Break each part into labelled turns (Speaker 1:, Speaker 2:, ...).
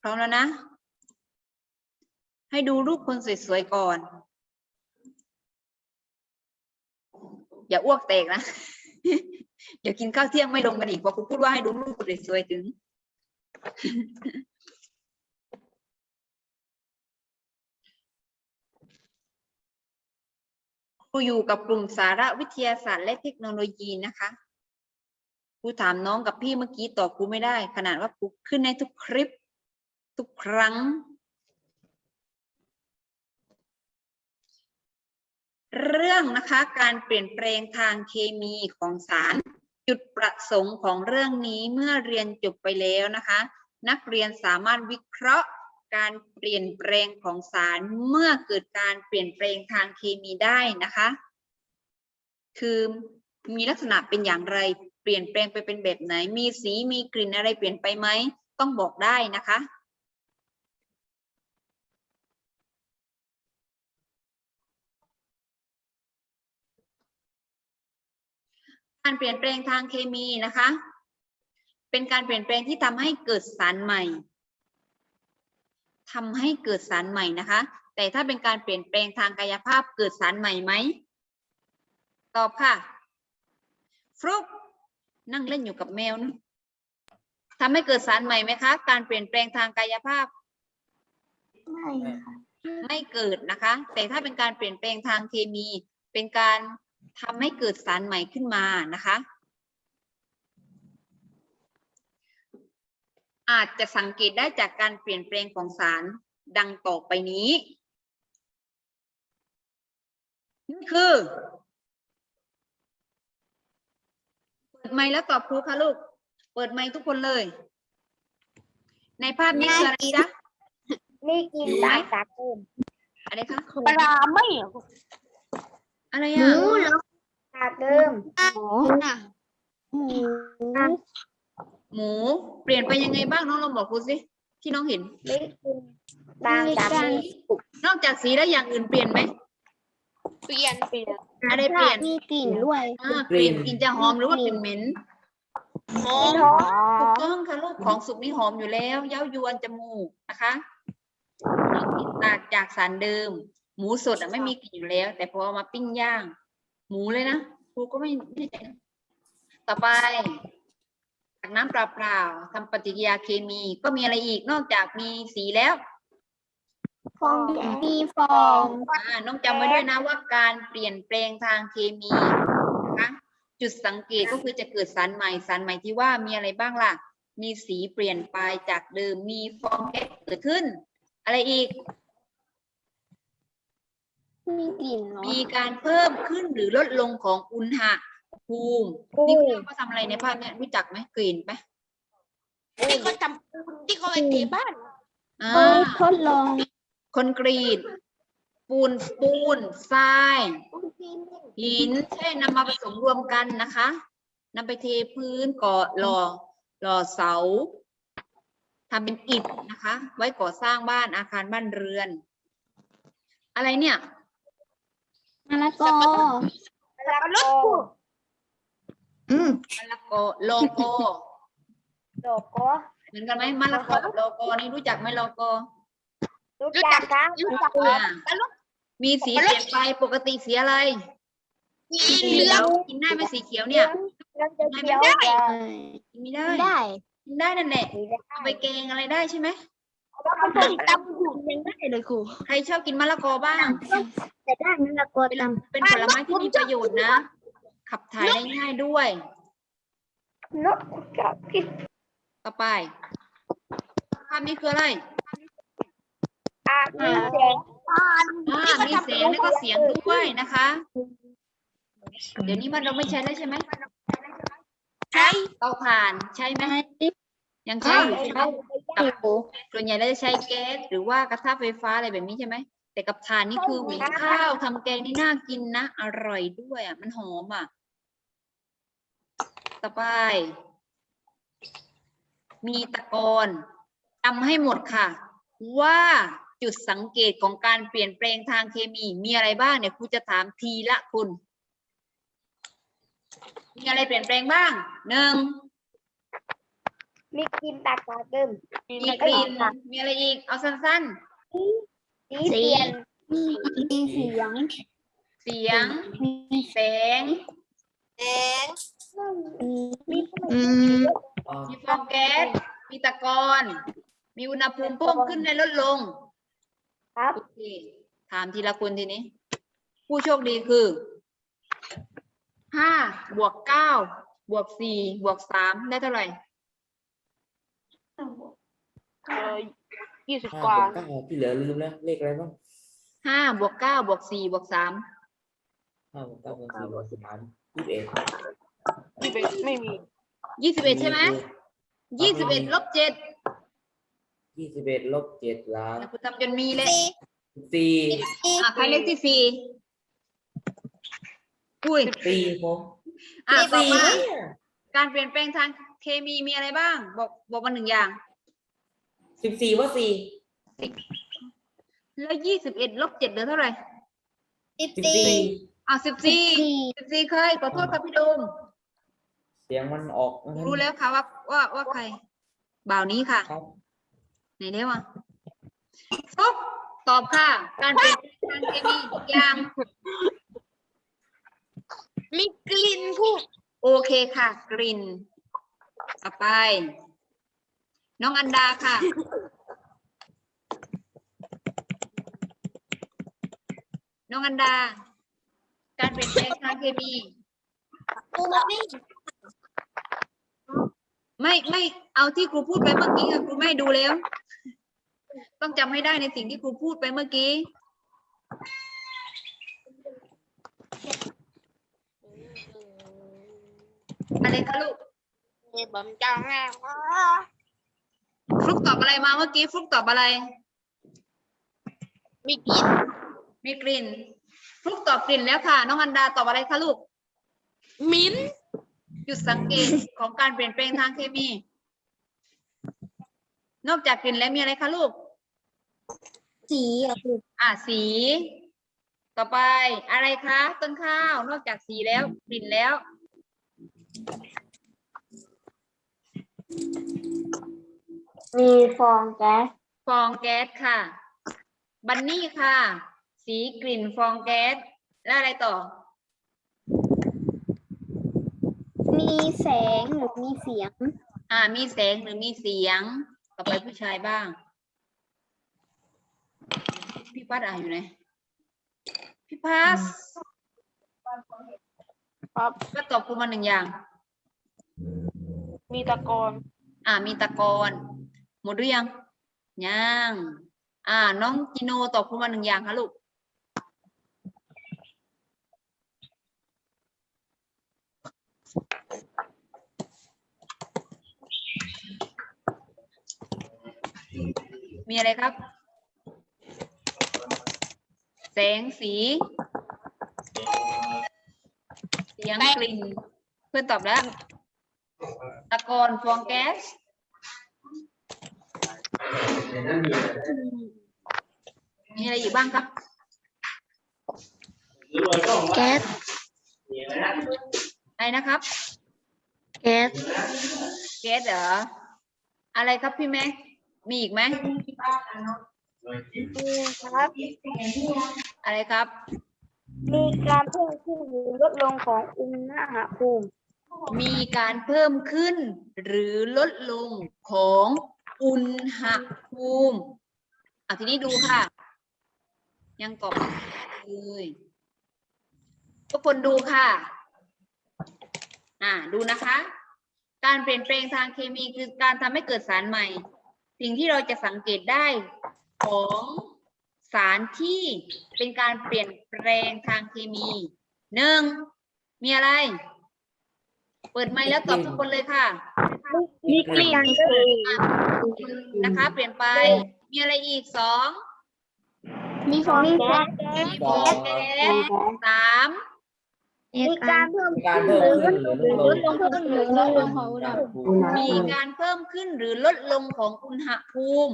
Speaker 1: ร้อมแล้วนะให้ดูรูปคนสวยๆก่อนอย่าอ้วกแตกนะ เดี๋ยวกินข้าวเที่ยงไม่ลงกันอีกเพราะครูพูดว่าให้ดูรูปคนสวยๆถึง ครูอยู่กับกลุ่มสาระวิทยาศาสตร์และเทคโนโลยีนะคะครูถามน้องกับพี่เมื่อกี้ตอบครูไม่ได้ขนาดว่าครูขึ้นในทุกคลิปทุกครั้งเรื่องนะคะการเปลี่ยนแปลงทางเคมีของสารจุดประสงค์ของเรื่องนี้เมื่อเรียนจบไปแล้วนะคะนักเรียนสามารถวิเคราะห์การเปลี่ยนแปลงของสารเมื่อเกิดการเปลี่ยนแปลงทางเคมีได้นะคะคือมีลักษณะเป็นอย่างไรเปลี่ยนแปลงไปเป็นแบบไหนมีสีมีกลิ่นอะไรเปลี่ยนไปไหมต้องบอกได้นะคะการเปลี่ยนแปลงทางเคมีนะคะเป็นการเปลี่ยนแปลงที่ทำให้เกิดสารใหม่นะคะแต่ถ้าเป็นการเปลี่ยนแปลงทางกายภาพเกิดสารใหม่ไหมตอบค่ะฟลุ๊กนั่งเล่นอยู่กับแมวนะทำให้เกิดสารใหม่ไหมคะการเปลี่ยนแปลงทางกายภาพไม่เกิดนะคะแต่ถ้าเป็นการเปลี่ยนแปลงทางเคมีเป็นการทำให้เกิดสารใหม่ขึ้นมานะคะอาจจะสังเกตได้จากการเปลี่ยนแปลงของสารดังต่อไปนี้นี่คือเปิดไมค์แล้วตอบครูค่ะลูกเปิดไมค์ทุกคนเลยในภาพนี้คืออะไรจ๊ะ
Speaker 2: นี่กินปลาตาเติม
Speaker 1: อะไรคะ
Speaker 2: ปลาไม่
Speaker 1: อะไร
Speaker 2: ห
Speaker 1: อ่ะ
Speaker 2: มูแล้วตาเติมหมู
Speaker 1: หมูเปลี่ยนไปยังไงบ้างน้องลองบอกครูสิที่น้องเห็น
Speaker 2: ไม่กินบางจากนี้
Speaker 1: นอกจากสีแล้วอย่างอื่นเปลี่ยนไหม
Speaker 2: เปลี่ยน
Speaker 1: อะไรเปลี่ยน
Speaker 2: มีกลิ่นด้วย
Speaker 1: เปลี่ยนกลิ่นจะหอมหรือว่าเป็นเหม็น
Speaker 2: หอม
Speaker 1: ถูกต้องค่ะลูกของสุกนี่หอมอยู่แล้วเย้ายวนจมูกนะคะต่างจากสารเดิมหมูสดไม่มีกลิ่นอยู่แล้ว แต่พอเอามาปิ้งย่างหมูเลยนะครูก็ไม่แน่ใจนะต่อไปจากน้ำเปล่าๆทำปฏิกิริยาเคมีก็มีอะไรอีกนอกจากมีสีแล้ว
Speaker 2: ฟองมีฟอง
Speaker 1: น้องจำไว้ด้วยนะว่าการเปลี่ยนแปลงทางเคมีนะคะจุดสังเกตก็คือจะเกิดสารใหม่ที่ว่ามีอะไรบ้างล่ะมีสีเปลี่ยนไปจากเดิมมีฟองแก๊สเกิดขึ้นอะไรอีก
Speaker 2: มีกลิ่น
Speaker 1: มีการเพิ่มขึ้นหรือลดลงของอุณหภูมินี่เขาทำอะไรในภาพนี้รู้จักไหมกลิ่นไหม
Speaker 2: ที่เขาจำปูนที่เขาไปเทบ้าน
Speaker 1: ทดลองคอนกรีตปูนทรายหินใช่นำมาผสมรวมกันนะคะนำไปเทพื้นก่อหล่อเสาทำเป็นอิฐนะคะไว้ก่อสร้างบ้านอาคารบ้านเรือนอะไรเนี่ย
Speaker 2: มะละกอมะละกอ
Speaker 1: มะละกอโลโก้
Speaker 2: โลโก้
Speaker 1: เหมือนกันไหมมะละกอกับโลโก้นี่รู้จักไหมโลโก้
Speaker 2: รู้จักครับรู้จัก
Speaker 1: มีสีเปลี่ยนไปปกติสีอะไร
Speaker 2: สีเหลือง
Speaker 1: กินได้ไหมสีเขียวเนี่ย
Speaker 2: ไม่ได้
Speaker 1: กินไม่ได้กินได้นั่นแหละเอาไปแกงอะไรได้ใช่ไหม
Speaker 2: ตำหูยังได้เลยครู
Speaker 1: ใครชอบกินมะละกอบ้าง
Speaker 2: แต่ได้มะละกอตำ
Speaker 1: เป็นผลไม้ที่มีประโยชน์นะ ขับถ่ายได้ง่ายด้วย
Speaker 2: นกกับกิน
Speaker 1: ต่อไปภาพนี้คืออะไร
Speaker 2: มีแสง
Speaker 1: มีเสียงแล้วก็เสียงด้วยนะคะ เดี๋ยวนี้มันเราไม่ใช้แล้วใช่ไหม
Speaker 2: ใช่
Speaker 1: เตาถ่านใช่ไหมยังใช้อยู่ใช่ไหมกับส่วนใหญ่เราจะใช้แก๊สหรือว่ากระทะไฟฟ้าอะไรแบบนี้ใช่ไหมแต่กับถ่านนี่คือหุงข้าวทำแกงนี่น่ากินนะอร่อยด้วยอ่ะมันหอมอ่ะต่อไปมีตะกอนจำให้หมดค่ะว่าจุดสังเกตของการเปลี่ยนแปลงทางเคมีมีอะไรบ้างเนี่ยครูจะถามทีละคุณมีอะไรเปลี่ยนแปลงบ้างหนึ่ง
Speaker 2: มีกลิ่นตากตาเกิม
Speaker 1: มีกลิ่นมีอะไรอีกเอาสั้น
Speaker 2: สีเปลี่ยนมีเสียง
Speaker 1: ๆ เสียง แสง
Speaker 2: มี
Speaker 1: มีฟองแก๊สมีตะกอนมีอุณหภูมิเพิ่มขึ้นและลดลง
Speaker 2: ครับ
Speaker 1: โอเคถามทีละคนทีนี้ ผู้โชคดีคือ5 บวก 9 บวก 4 บวก 3 ได้เท่าไหร่
Speaker 2: 20
Speaker 3: 5
Speaker 2: กว่า
Speaker 3: บวก 9ที่เหลือลืมแล้วเลขอะไรบ้าง
Speaker 1: 5 บวก 9 บวก 4 บวก 3
Speaker 3: 5 บวก 9 บวก 4 บวก 3 21
Speaker 2: ไม่มี
Speaker 1: 21 ใช่ไหม21 ลบ 7
Speaker 3: 21ลบ7ล้าง
Speaker 1: คุณทำจนมีเลย
Speaker 3: 4
Speaker 1: ใครเลขที่ 4 อุ้ย
Speaker 3: 4ผม
Speaker 1: บอกว่า
Speaker 3: เนี่ย
Speaker 1: การเปลี่ยนแปลงทางเคมีมีอะไรบ้าง บอกมา1 อย่าง
Speaker 3: 14ว่า4
Speaker 1: แล้ว 21 ลบ 7 เหลือเท่าไหร่
Speaker 3: 14
Speaker 1: 14 เคยขอโทษครับพี่โดม
Speaker 3: เสียงมันออก
Speaker 1: รู้แล้วค่ะว่าใคร บ่าวนี้ค่ะ
Speaker 3: ครับ
Speaker 1: ไหนเรียกว่าฟุกตอบค่ะ การเปลี่ยนแปลงทางเคมีทุกอย่าง
Speaker 2: มีกลิ่นผู้
Speaker 1: โอเคค่ะ กลิ่นต่อไป น้องอันดาค่ะ น้องอันดา การเปลี่ยนแปลงทางเคมี ไม่เอาที่ครูพูดไปเมื่อกี้ค่ะครูไม่ให้ดูแล้ว ต้องจำให้ได้ในสิ่งที่ครูพูดไปเมื่อกี้ อะไรคะลูก
Speaker 2: ผมจังแล้ว
Speaker 1: ฟลุกตอบอะไรมาเมื่อกี้ฟลุกตอบอะไร
Speaker 2: มีกลิ่น
Speaker 1: มีกลิ่นฟลุกตอบกลิ่นแล้วค่ะ น้องอันดาตอบอะไรคะลูก
Speaker 2: มิ้น
Speaker 1: จุดสังเกตของการเปลี่ยนแปลงทางเคมี นอกจากกลิ่นแล้วมีอะไรคะลูก
Speaker 2: สีอะคือ
Speaker 1: สี ต่อไปอะไรคะต้นข้าวนอกจากสีแล้วกลิ่นแล้ว
Speaker 2: มีฟองแก๊ส
Speaker 1: ฟองแก๊สค่ะ บันนี่ค่ะ สีกลิ่นฟองแก๊สแล้วอะไรต่อ
Speaker 2: มีแสงหรือมีเสียง
Speaker 1: มีแสงหรือมีเสียง ต่อไปผู้ชายบ้าง พี่พัดอยู่ไหน พี่พัด
Speaker 2: ครับ
Speaker 1: ก็ตอบครูมา1 อย่าง
Speaker 2: มีตะกอน
Speaker 1: มีตะกอนหมดหรือยังยังน้องจิโนตอบครูมา1 อย่างค่ะลูก มีอะไรครับ แสงสี เสียงกลิ่น เพื่อนตอบแล้ว ตะกอนฟองแก๊ส มีอะไรอยู่บ้างครับ
Speaker 2: แก๊ส
Speaker 1: อะไรนะครับ
Speaker 2: แก๊ส
Speaker 1: แก๊สเหรอ อะไรครับพี่แม็ก มีอีกไหม
Speaker 2: ครับ
Speaker 1: อะไรครับ
Speaker 2: มีการเพิ่มขึ้นหรือลดลงของอุณหภูมิ
Speaker 1: มีการเพิ่มขึ้นหรือลดลงของอุณหภูมิทีนี้ดูค่ะ ยังตอบไม่ได้เลยทุกคนดูค่ะดูนะคะ การเปลี่ยนแปลงทางเคมีคือการทำให้เกิดสารใหม่ สิ่งที่เราจะสังเกตได้ของสารที่เป็นการเปลี่ยนแปลงทางเคมี 1. มีอะไร เปิดไมค์แล้วตอบทุกคนเลยค่ะ
Speaker 2: มีกลิ่น
Speaker 1: นะคะ เปลี่ยนไป มีอะไรอีก 2.
Speaker 2: มีฟองแก๊ส
Speaker 1: มีฟองแก๊ส 3.
Speaker 2: มีการเพิ่ม
Speaker 3: การเพิ่มขึ้นหรือลดลง
Speaker 2: หรือลดลงของอุณหภูมิ
Speaker 1: มีการเพิ่มขึ้นหรือลดลงของอุณหภูมิ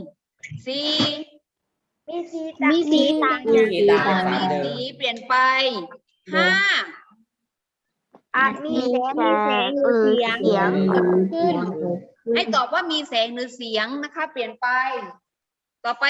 Speaker 1: 4.
Speaker 2: มีสีต่าง
Speaker 3: มีสีต่าง
Speaker 1: มีสีเปลี่ยนไป 5.
Speaker 2: อาจมีแสงหรือเสียงเกิดขึ้น
Speaker 1: ให้ตอบว่ามีแสงหรือเสียงนะคะ เปลี่ยนไป ต่อไป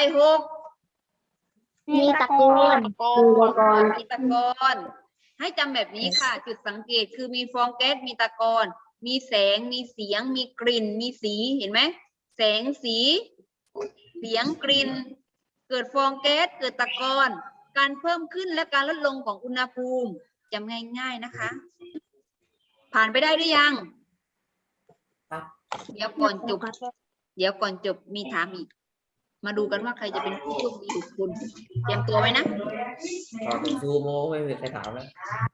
Speaker 1: 6
Speaker 2: มีตะโกน
Speaker 1: มีตะกอนให้จำแบบนี้ค่ะ จุดสังเกตคือมีฟองแก๊สมีตะกอนมีแสงมีเสียงมีกลิ่นมีสีเห็นไหมแสงสีเสียงกลิ่นเกิดฟองแก๊สเกิดตะกอนการเพิ่มขึ้นและการลดลงของอุณหภูมิจำง่ายๆนะคะ ผ่านไปได้หรือยัง
Speaker 3: ครับ
Speaker 1: เดี๋ยวก่อนจบมีถามอีก มาดูกันว่าใครจะเป็นผู้โชคดีทุกคนเตรียมตัวไว้นะ
Speaker 3: ตอบเป็นซูโม่ไม่มีใครถามแล้ว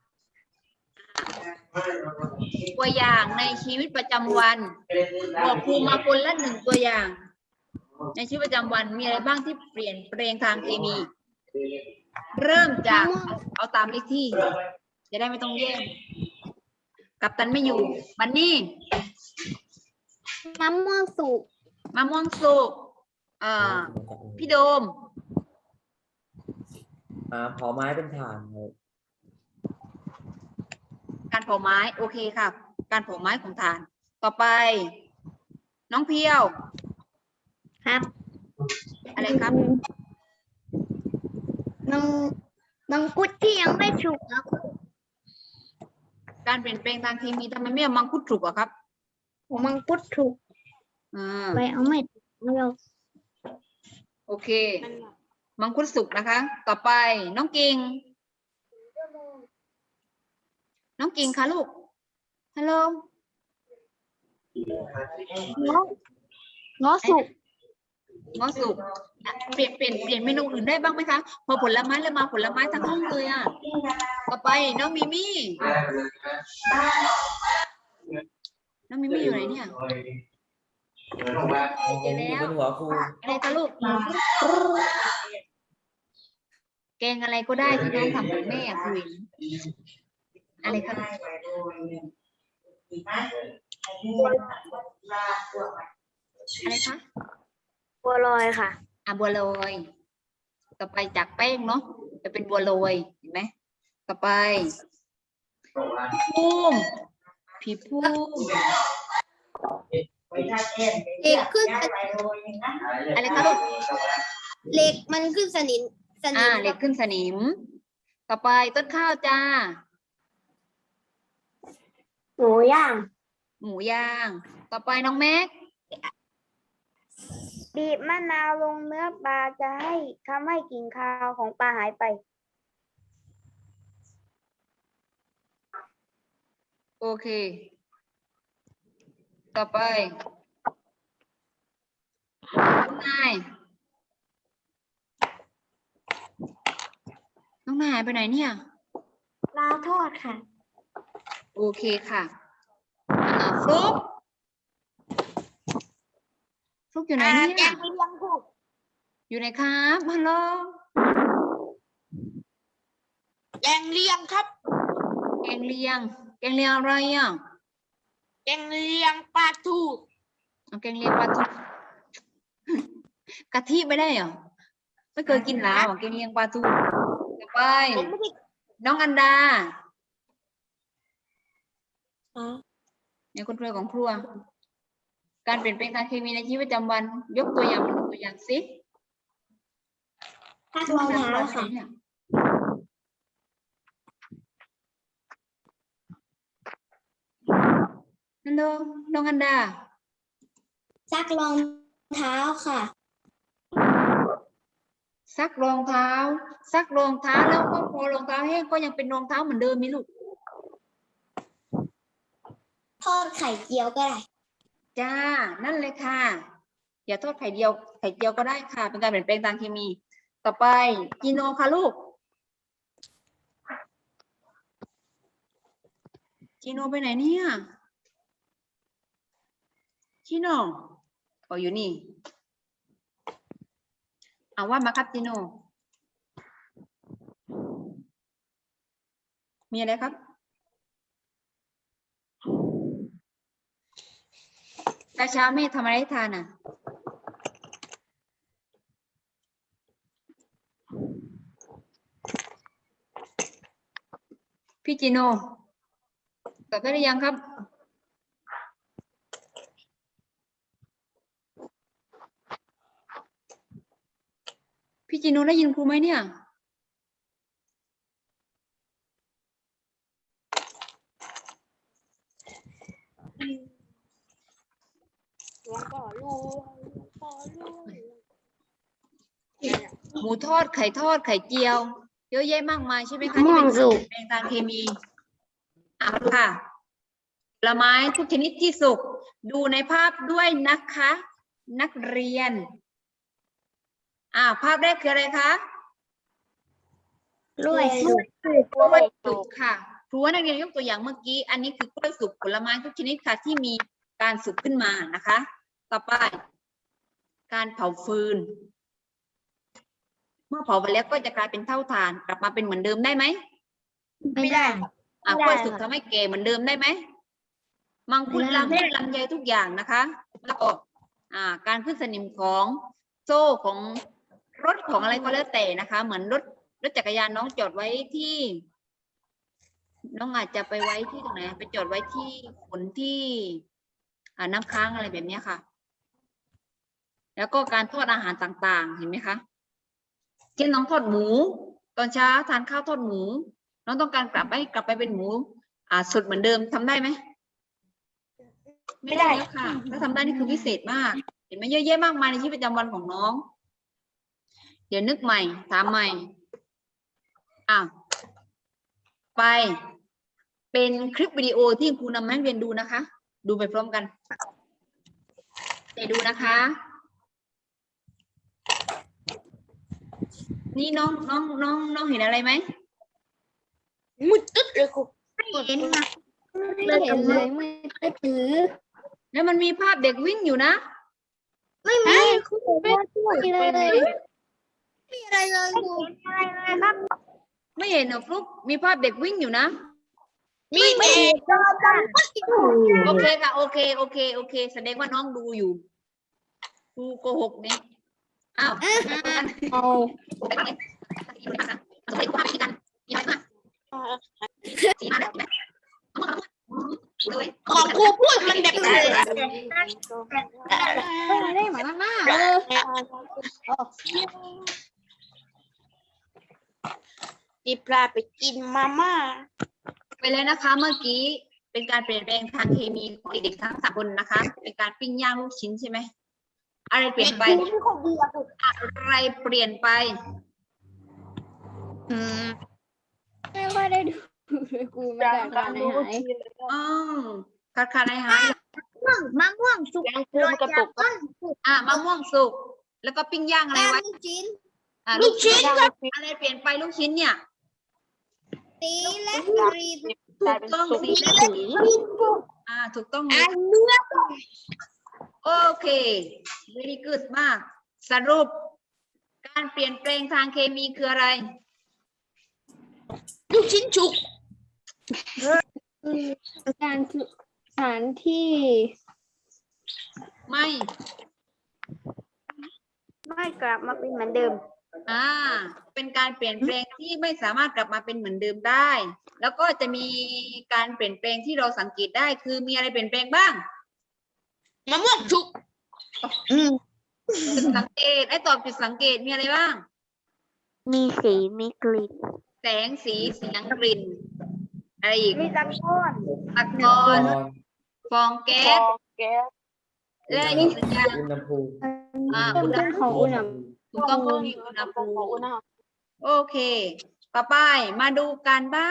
Speaker 1: ตัวอย่างในชีวิตประจำวันบอกครูมาคนละ1ตัวอย่าง ในชีวิตประจำวันมีอะไรบ้างที่เปลี่ยนแปลงทางเคมี เริ่มจากเอาตามเลขที่ จะได้ไม่ต้องแย่งกัปตันไม่อยู่บันนี่
Speaker 2: มะม่วงสุก
Speaker 1: มะม่วงสุกพี่โดม
Speaker 3: เผาไม้เป็นถ่านครับ
Speaker 1: การเผาไม้โอเคครับ การเผาไม้ของถ่าน ต่อไป น้องเพียว
Speaker 2: ครับ
Speaker 1: อะไรครับ
Speaker 2: มังคุดที่ยังไม่สุกครับ
Speaker 1: การเปลี่ยนแปลงทางเคมีทำไมไม่เอามังคุดถูกอะครับ
Speaker 2: มังคุดสุก ไปเอาไม่เรา
Speaker 1: โอเค มังคุดสุกนะคะ ต่อไปน้องกิ่งค่ะลูกฮัลโหล
Speaker 2: ง้อสุก
Speaker 1: งอสุกอ่ะเปลี่ยนเมนูอื่นได้บ้างไหมคะพอผลไม้แล้วมาผลไม้ทั้งห้องเลยอ่ะต่อไปน้องมิมี่อยู่ไหนเนี่ยเจอ
Speaker 3: ผม
Speaker 1: แล้ว
Speaker 3: เป็นหัวครู
Speaker 1: อะไรคะลูกแกงอะไรก็ได้ที่น้องทำกับแม่อะคุยอะไรคะอะไรคะ
Speaker 2: บัวลอยค่ะ
Speaker 1: บัวลอยต่อไปจากแป้งเนาะจะเป็นบัวลอยเห็นไหมต่อไปพี่พุ่ม
Speaker 2: เหล็กขึ้น
Speaker 1: อะไรคะลูก
Speaker 2: เหล็กมันขึ้นสนิม
Speaker 1: เหล็กขึ้นสนิม ต่อไปต้นข้าวจ้า
Speaker 2: หมูย่าง
Speaker 1: หมูย่าง ต่อไปน้องแม็ก
Speaker 2: บีบมะนาวลงเนื้อปลาจะให้ทำให้กลิ่นคาวของปลาหายไป
Speaker 1: โอเค ต่อไปน้องนายหายไปไหนเนี่ย
Speaker 2: ปลาทอดค่ะ
Speaker 1: โอเคค่ะฟลุ๊กอยู่ไหนเนี่ย
Speaker 2: แกงเลียงถูก
Speaker 1: อยู่ไหนครับฮัลโหล
Speaker 2: แกงเลียงครับ
Speaker 1: แกงเลียงอะไรอ่ะ
Speaker 2: แกงเลียงปลาทู
Speaker 1: เอาแกงเลียงปลาทูกะทิไม่ได้เหรอไม่เคยกินแล้วแกงเลียงปลาทูต่อไปน้องอันดาเนี่ยคนรวยของครัว การเปลี่ยนแปลงทางเคมีในชีวิตประจำวัน ยกตัวอย่างมาดูตัวอย่างสิ
Speaker 2: ซักรองเท้าค่ะ
Speaker 1: ฮัลโหลน้องอันดา
Speaker 2: ซักรองเท้าค่ะ
Speaker 1: ซักรองเท้าแล้วก็พอรองเท้าแห้งก็ยังเป็นรองเท้าเหมือนเดิมไหมลูก
Speaker 2: ทอดไข่เจียวก็ได้
Speaker 1: จ้า นั่นเลยค่ะ อย่าโทษไข่เจียวก็ได้ค่ะ เป็นการเปลี่ยนแปลงทางเคมี ต่อไปจีโนค่ะลูก จีโนไปไหนเนี่ยจีโนอยู่นี่ว่ามาครับจีโนมีอะไรครับเช้าแม่ทำอะไรให้ทานอ่ะพี่จีโนตอบได้หรือยังครับพี่จิโนได้ยินครูไหมเนี่ย
Speaker 2: หลวงพ่อลูกหลวงพ่อลูก
Speaker 1: หมูทอดไข่ทอดไข่เจียว เยอะแยะมากมายใช่ไหมคะที่เป็นสารเปลี่ยนแปลงทางเคมีค่ะผลไม้ทุกชนิดที่สุกดูในภาพด้วยนะคะ นักเรียนภาพแรกคืออะไรคะ
Speaker 2: กล้วยสุก
Speaker 1: กล้วยสุกค่ะครูว่านักเรียนยกตัวอย่างเมื่อกี้อันนี้คือกล้วยสุกผลไม้ทุกชนิดค่ะที่มีการสุกขึ้นมานะคะ ต่อไป การเผาฟืน เมื่อเผาไปแล้วก็จะกลายเป็นเท่าฐานกลับมาเป็นเหมือนเดิมได้ไหม
Speaker 2: ไม่ได้
Speaker 1: กล้วยสุกทำให้แก่เหมือนเดิมได้ไหมมังคุดลำไยลำไยทุกอย่างนะคะแล้วก็การขึ้นสนิมของโซ่ของรถของอะไรก็แล้วแต่นะคะ เหมือนรถจักรยานน้องจอดไว้ที่ น้องอาจจะไปไว้ที่ตรงไหนไปจอดไว้ที่ขนที่น้ำค้างอะไรแบบนี้ค่ะ แล้วก็การทอดอาหารต่างๆเห็นไหมคะเช่นน้องทอดหมูตอนเช้าทานข้าวทอดหมูน้องต้องการกลับไปเป็นหมูสดเหมือนเดิมทำได้ไหมไม่ได้แล้วค่ะถ้าทำได้นี่คือพิเศษมากเห็นไหมเยอะแยะมากมายในชีวิตประจำวันของน้องเดี๋ยวนึกใหม่ถามใหม่ไปเป็นคลิปวิดีโอที่ครูนำมาให้เรียนดูนะคะ ดูไปพร้อมกันเดี๋ยวดูนะคะ นี่น้องเห็นอะไรไหม
Speaker 2: มุดตึ๊ดเลยครู
Speaker 1: ไม่เห็นค่ะ
Speaker 2: ไม่เห็นเลยไม่ได้ถือ
Speaker 1: แล้วมันมีภาพเด็กวิ่งอยู่นะ
Speaker 2: ไม่มีครูไม่มีเลยไม่มีอะไรเลยครูอะไรเลยครับ
Speaker 1: ไม่เห็นเหรอฟลุ๊กมีภาพเด็กวิ่งอยู่นะ
Speaker 2: มีเด็ก
Speaker 1: โอเคค่ะโอเคแสดงว่าน้องดูอยู่ครูโกหกเนี่ยอ้าว
Speaker 2: เอา ของครูพูดมันแบบไม่ได้หมายมากจีปลาไปกินมาม่า
Speaker 1: ไปเลยนะคะเมื่อกี้เป็นการเปลี่ยนแปลงทางเคมีของเด็กๆทั้ง3 คนนะคะ เป็นการปิ้งย่างลูกชิ้นใช่ไหมอะไรเปลี่ยนไปอะไรเปลี่ยนไป
Speaker 2: ไม่ค่อยได้ดูเลยครูไม่ได้ขาดหาย
Speaker 1: ขาดหาย
Speaker 2: มะม่วงสุกโรยจากต้น
Speaker 1: มะม่วงสุกแล้วก็ปิ้งย่างอะไรไว้
Speaker 2: ลูกชิ้น
Speaker 1: ลูกชิ้นอะไรเปลี่ยนไปลูกชิ้นเนี่ย
Speaker 2: สีและกรีน
Speaker 1: ถูกต้องสีและสีถูกต้องเลย
Speaker 2: เนื้อ
Speaker 1: โอเค very good มาก สรุป การเปลี่ยนแปลงทางเคมีคืออะไร
Speaker 2: ลูกชิ้นฉุก
Speaker 4: การสารที่
Speaker 1: ไม่
Speaker 2: ไม่กลับมาเป็นเหมือนเดิม
Speaker 1: เป็นการเปลี่ยนแปลงที่ไม่สามารถกลับมาเป็นเหมือนเดิมได้ แล้วก็จะมีการเปลี่ยนแปลงที่เราสังเกตได้คือมีอะไรเปลี่ยนแปลงบ้าง
Speaker 2: มะม่วงฉุก
Speaker 1: จุดสังเกตตอบจุดสังเกตมีอะไรบ้าง
Speaker 4: มีสีมีกลิ่น
Speaker 1: แสงสีเสียงกลิ่นอะไรอีก
Speaker 2: มีตะก้อน
Speaker 1: ตะกอนฟองแก๊สและอีกสัญญาณ
Speaker 3: อุณหภูมิ
Speaker 1: อุณหภู
Speaker 4: ของอุณห
Speaker 1: มิ
Speaker 4: ภูมิ
Speaker 1: ถูกต้องก็มีอุณหภูมิโอเค ต่อไปมาดูการบ้าน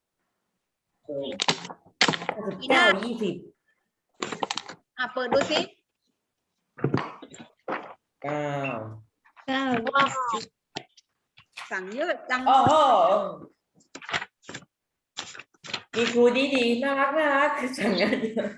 Speaker 3: 19 20
Speaker 1: เปิดดูสิ
Speaker 3: 9
Speaker 1: สั่งเยอะจัง
Speaker 3: โอ้โหมีครูดีๆน่ารักสั่งงานเยอะ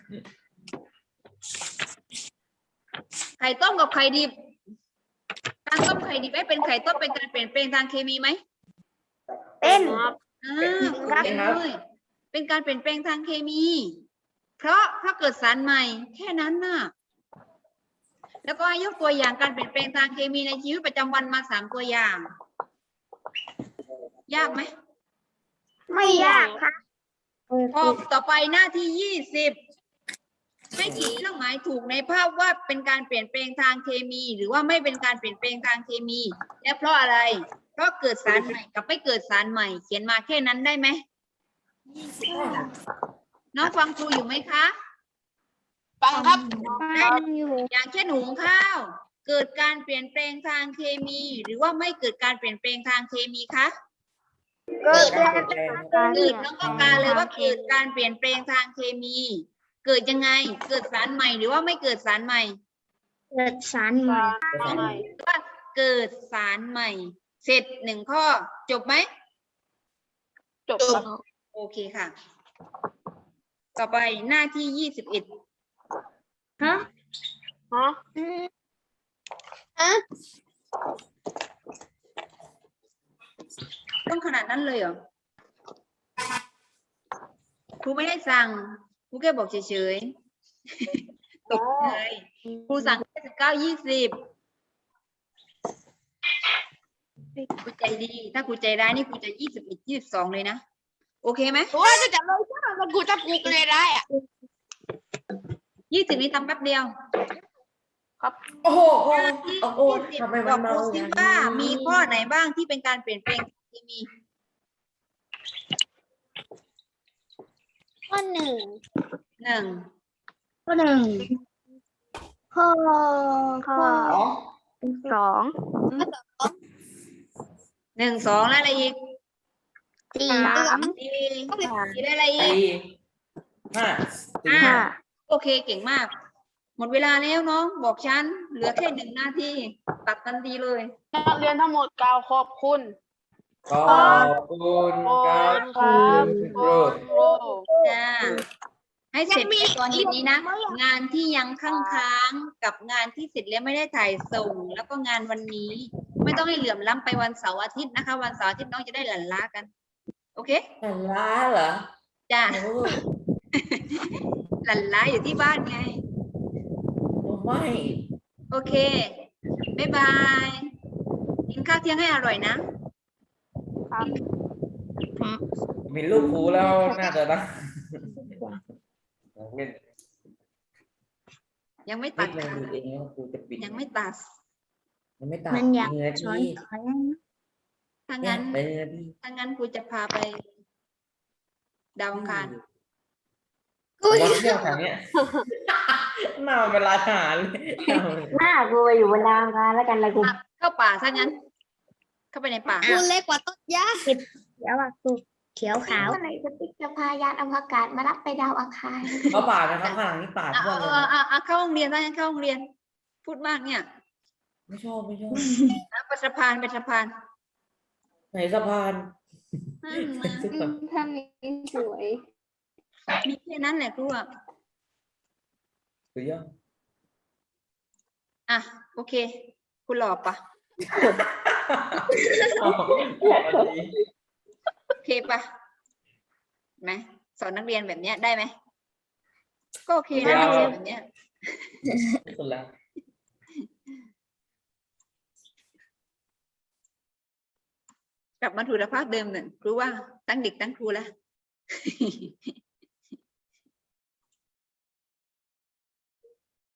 Speaker 1: ไข่ต้มกับไข่ดิบ การต้มไข่ดิบเป็นไข่ต้มเป็นการเปลี่ยนแปลงทางเคมีไหม
Speaker 2: เป็น
Speaker 1: เป็นเลยเป็นการเปลี่ยนแปลงทางเคมี เพราะเกิดสารใหม่แค่นั้นน่ะ แล้วก็ยกตัวอย่างการเปลี่ยนแปลงทางเคมีในชีวิตประจำวันมา3 ตัวอย่าง ยากไหม
Speaker 2: ไม่ยากค่ะ
Speaker 1: ข้อต่อไปหน้าที่ 20ให้ขีดเครื่องหมายถูกในภาพว่าเป็นการเปลี่ยนแปลงทางเคมี หรือว่าไม่เป็นการเปลี่ยนแปลงทางเคมี และเพราะอะไร เพราะเกิดสารใหม่กับไม่เกิดสารใหม่ เขียนมาแค่นั้นได้ไหมน้องฟังครูอยู่ไหมคะ
Speaker 2: ฟังครับ
Speaker 1: อย่างเช่นหุงข้าว เกิดการเปลี่ยนแปลงทางเคมี หรือว่าไม่เกิดการเปลี่ยนแปลงทางเคมีคะ
Speaker 2: เกิด
Speaker 1: เกิดน้องต้องการเลยว่าเกิดการเปลี่ยนแปลงทางเคมี เกิดยังไง เกิดสารใหม่หรือว่าไม่เกิดสารใหม่
Speaker 2: เกิดสารใหม่
Speaker 1: ว่าเกิดสารใหม่ เสร็จหนึ่งข้อจบไหม
Speaker 2: จบ
Speaker 1: โอเคค่ะ ต่อไปหน้าที่ 21ฮะ ต้องขนาดนั้นเลยเหรอครูไม่ได้สั่งครูแค่บอกเฉยๆตกใจครูสั่งแค่19 20ครูใจดี ถ้าครูใจร้ายนี่ครูจะ21 22เลยนะ โอเคไหม
Speaker 2: เพราะว่าจะจับเลยถ้ามันกูจะปลุกเลยได้อ่ะ
Speaker 1: 20นี้ทำแป๊บเดียว
Speaker 3: โอ้โห
Speaker 1: หน้าที่
Speaker 3: โอ้โห
Speaker 1: 20
Speaker 3: ทำไม
Speaker 1: บ
Speaker 3: มั
Speaker 1: อน ก
Speaker 3: เมา
Speaker 1: ครู
Speaker 3: อ
Speaker 1: ซิ
Speaker 3: ย่าง
Speaker 1: ว่า
Speaker 3: นี้
Speaker 1: มีข้อไหนบ้างที่เป็นการเปลี่ยนแปลงทางเคมี
Speaker 2: ข้อหนึ่ง
Speaker 1: หนึ่ง
Speaker 2: ข้อหนึ่งข้อ
Speaker 4: สอง
Speaker 1: 1 2แล้วอะไรอีก
Speaker 2: สี่
Speaker 1: 4ได้อะไรอีก
Speaker 3: 4 5
Speaker 4: ห้า
Speaker 1: โอเคเก่งมาก หมดเวลาแล้วน้องบอกฉันเหลือแค่1 นาทีตัดทันทีเลย
Speaker 5: นักเรียนทั้งหมดกล่าวขอบคุณ
Speaker 3: ขอบคุณครับคุณครู
Speaker 1: จ้าให้เสร็จในตอนเย็นนี้นะ งานที่ยังค้างๆกับงานที่เสร็จแล้วไม่ได้ถ่ายส่ง แล้วก็งานวันนี้ ไม่ต้องให้เหลื่อมล้ำไปวันเสาร์อาทิตย์นะคะ วันเสาร์อาทิตย์น้องจะได้หลั่นล้ากัน โอเค
Speaker 3: แต่ล้าเหรอ
Speaker 1: จ้า
Speaker 3: โอ้
Speaker 1: หลั่นล้าอยู่ที่บ้านไง
Speaker 3: ไม่
Speaker 1: โอเคบ๊ายบาย กินข้าวเที่ยงให้อร่อยนะ
Speaker 3: มีลูกครูแล้วน่าจะนะเล่น
Speaker 1: ยังไม่
Speaker 3: นิ
Speaker 1: ตั
Speaker 3: ด
Speaker 1: ด
Speaker 3: นึง
Speaker 1: ค่ะ
Speaker 3: ดูเองว่าครูจะปิด
Speaker 1: ยังไม่ตัด
Speaker 3: ยังไม่ตัด
Speaker 2: มันอยาก
Speaker 3: เนื้อ
Speaker 2: ช้อน
Speaker 3: ที่
Speaker 2: ขอ
Speaker 1: ถ้า
Speaker 3: เนี่ย
Speaker 1: งั้น
Speaker 3: เนื้อที่
Speaker 1: ถ้างั้นครูจะพาไปดาวอังคาร
Speaker 3: มาเที่ยวแถวเนี้ยน่าเวลาอาหารเลย
Speaker 4: หน้ากูไปอยู่บนดาวกันแล้วกันเลยกู
Speaker 1: เข้าป่าถ้างั้น เข้าไปในป่า
Speaker 2: กูเล็กกว่าต้นหญ้าเขียวอ่ะกูเขียวขาว
Speaker 6: เมื่อไหร่จะติ๊กจะพายานอวกาศมารับไปดาวอังคาร
Speaker 3: เขาป่านะครับข้างหลังนี่ป่า
Speaker 1: เอา
Speaker 3: ทั่วเลย
Speaker 1: เข้าโรงเรียนถ้างั้นเข้าโรงเรียน พูดมากเนี่ย
Speaker 3: ไม่ชอบไม่ชอบ
Speaker 1: ไปสะพานไปสะพาน
Speaker 3: ไหนสะพาน
Speaker 4: ถ้ามีสวย
Speaker 1: มีแค่นั้นแหละครูอะ
Speaker 3: สุดยอด
Speaker 1: อ่ะโอเค คุณหล่อปะโอเคปะไหมสอนนักเรียนแบบเนี้ยได้ไหมก็โอเคนะนักเรียนแบบเนี้ย
Speaker 3: สุดแล้ว
Speaker 1: กลับมาถูกสภาพเดิมหนึ่งครูว่าทั้งเด็กทั้งครูแล้ว